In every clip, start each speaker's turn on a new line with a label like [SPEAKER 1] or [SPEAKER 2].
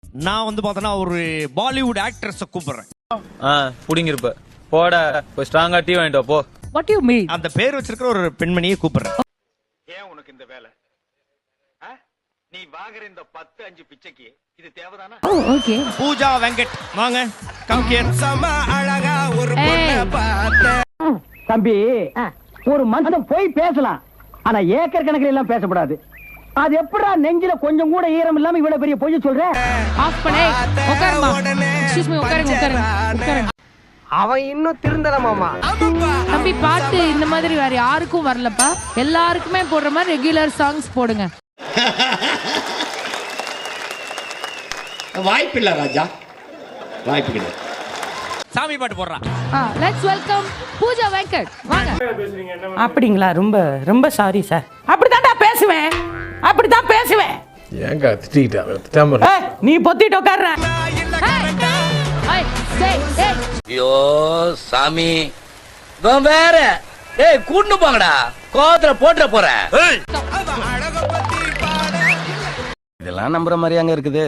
[SPEAKER 1] நான் வந்து பார்த்தனா ஒரு பாலிவுட் ஆக்ட்ரஸ கூப்பிடுறேன்.
[SPEAKER 2] புடிங்க இருப்ப போட போய் ஸ்ட்ராங்கா டீ வாங்கிட்டு போ.
[SPEAKER 3] What you mean?
[SPEAKER 1] அந்த பேர் வச்சிருக்கிற ஒரு பெண்மணியை கூப்பிடுறேன்.
[SPEAKER 4] ஏன் உனக்கு இந்த வேலை? நீ வாங்குற இந்த 10-5 பிச்சைக்கு இது தேவைதானா?
[SPEAKER 3] ஓகே.
[SPEAKER 1] பூஜா வெங்கட் வாங்க. Come here. சம அழகா ஒரு பொண்ண பார்த்த.
[SPEAKER 5] தம்பி ஒரு மனுஷன் போய் பேசலாம், ஆனா ஏக்கர் கணக்கில் எல்லாம் பேசக்கூடாது. அது எப்படா நெஞ்சில கொஞ்சம் கூட ஈரம் இல்லாம இவ்வளவு பெரிய பொய் சொல்ற?
[SPEAKER 3] ஆஃப் பண்ணே. உட்காருமா. எக்ஸ்கியூஸ் மீ, உட்காருங்க.
[SPEAKER 5] அவன் இன்னும் திருந்தல மாமா.
[SPEAKER 3] தம்பி பாட்டு இந்த மாதிரி வேற யாருக்கும் வரலப்பா. எல்லாருக்குமே போடுற மாதிரி ரெகுலர் சாங்ஸ் போடுங்க.
[SPEAKER 6] வாய்ப்பில்லை ராஜா, வாய்ப்பு கிடையாது.
[SPEAKER 1] சாமி பாட்டு போடுறா.
[SPEAKER 3] Let's welcome Pooja Venkat. வாங்க.
[SPEAKER 7] அப்படிங்களா? ரொம்ப ரொம்ப சாரி சார். அப்படிதான்டா பேசுவேன், அப்படிதான் பேசுவேன்.
[SPEAKER 8] ஏங்க திட்டிட்டா
[SPEAKER 7] நீ பொத்திட்டு உட்கார்ற.
[SPEAKER 9] ஐயோ சாமி வேற கூட்டு போங்கடா, கோவத்துல போட்டுற போறேன்.
[SPEAKER 6] இதெல்லாம் நம்புற மாதிரியாங்க இருக்குது.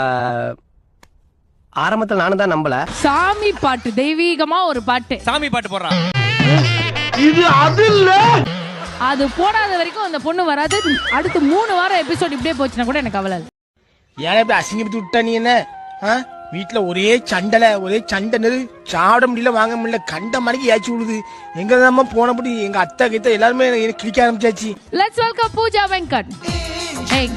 [SPEAKER 6] ஆரம்பத்தில் நானும் தான் நம்பல.
[SPEAKER 3] சாமி பாட்டு, தெய்வீகமா ஒரு பாட்டு.
[SPEAKER 1] சாமி பாட்டு போடுறா.
[SPEAKER 5] இது அது இல்ல.
[SPEAKER 3] அது போடாத வரைக்கும் அந்த பொண்ணு வராது. அடுத்து 3 வாரம் எபிசோட் இப்படியே போச்சுன்னா கூட எனக்கு கவலை.
[SPEAKER 10] ஏன் இப்படி அசிங்கப்பட்டு விட்டா நீ? என்ன வீட்டுல ஒரே சண்டை சாப்பிட முடியல, வாங்க முடியல, கண்ட மணிக்கு ஏச்சி விடுது. எங்க தான் போனபடி எங்க அத்தை கிட்ட எல்லாருமே கிளிக்க ஆரம்பிச்சாச்சு.
[SPEAKER 3] Let's welcome Pooja Venkat. ஏய்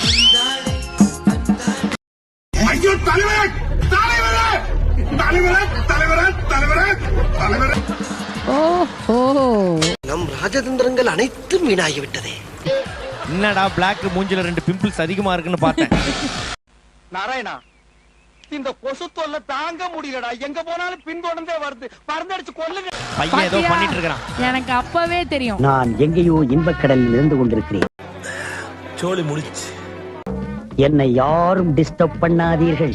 [SPEAKER 4] ஐயோ தலைவரே தலைவரே தலைவரே தலைவரே தலைவரே தலைவரே.
[SPEAKER 3] ஓஹோ,
[SPEAKER 6] நம் ராஜதந்திரங்கள் அனைத்தும் வீணாகி விட்டதே.
[SPEAKER 1] என்னடா பிளாக் மூஞ்சில 2 பிம்பிள்ஸ் அதிகமா இருக்குன்னு பார்த்தேன்.
[SPEAKER 4] நாராயணா, இந்த கொசு தொல்லை தாங்க முடியலடா. எங்க போனாலும் பின்தொடர்ந்தே வருது. பறந்தடிச்சு கொல்லுங்க.
[SPEAKER 1] பையன் ஏதோ பண்ணிட்டு இருக்கான்.
[SPEAKER 3] எனக்கு அப்பவே தெரியும்.
[SPEAKER 5] நான் எங்கேயோ இன்பக்கடலில் இருந்து கொண்டிருக்கிறேன்.
[SPEAKER 10] சோலி முடிச்சு.
[SPEAKER 5] என்னை யாரும் டிஸ்டர்ப் பண்ணாதீர்கள்.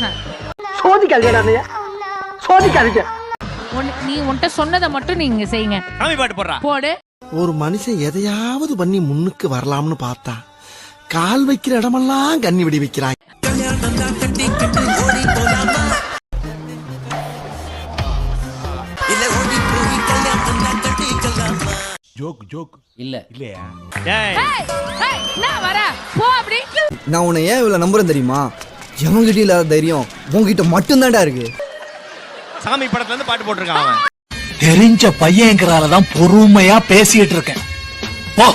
[SPEAKER 5] சோதிக்காதீங்க.
[SPEAKER 3] நீ உன்கிட்ட சொன்னதை மட்டும் நீங்க செய்யுங்க.
[SPEAKER 1] சாமி பாட்டு போடுறா.
[SPEAKER 3] போடு.
[SPEAKER 8] ஒரு மனுஷன் எதையாவது பண்ணி முன்னுக்கு வரலாம்னு பார்த்தா கால் வைக்கிற இடமெல்லாம் கண்ணி விடி வைக்கிறான்.
[SPEAKER 9] ஜோக் இல்ல இல்லையா?
[SPEAKER 1] ஏய்
[SPEAKER 3] நான் வர போ. அப்படி
[SPEAKER 11] நான் உன்னை ஏன் இவ்வளவு நம்புறேன் தெரியுமா? எவங்கிட்ட இல்லாத தைரியம் உங்ககிட்ட மட்டும்தான்டா இருக்கு.
[SPEAKER 1] சாமி படத்துல இருந்து பாட்டு போட்டிருக்கான் அவன்.
[SPEAKER 10] தெரிஞ்ச பையன்கிறாலதான் பொறுமையா பேசிட்டு இருக்கேன். போ.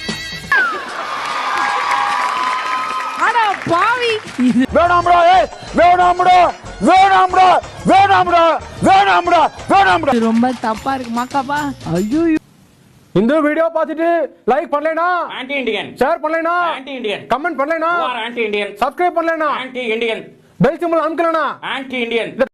[SPEAKER 3] அட பாவி.
[SPEAKER 5] வேணாம்டா, வேணாம்டா, வேணாம்டா, வேணாம்டா, வேணாம்டா, வேணாம்டா.
[SPEAKER 3] ரொம்ப தப்பா இருக்கு மாக்காப்பா. ஐயோ,
[SPEAKER 5] இந்த வீடியோ பார்த்துட்டு லைக் பண்ணலைனா
[SPEAKER 9] ஆன்டி இண்டியன்,
[SPEAKER 5] ஷேர் பண்ணலைனா
[SPEAKER 9] ஆன்டி இண்டியன்,
[SPEAKER 5] கமெண்ட் பண்ணலைனா
[SPEAKER 9] ஆன்டி இண்டியன்,
[SPEAKER 5] சப்ஸ்கிரைப் பண்ணலைனா
[SPEAKER 9] ஆன்டி இண்டியன்,
[SPEAKER 5] பெல் சிம்பல் அமுக்கலைனா
[SPEAKER 9] ஆன்டி இண்டியன்.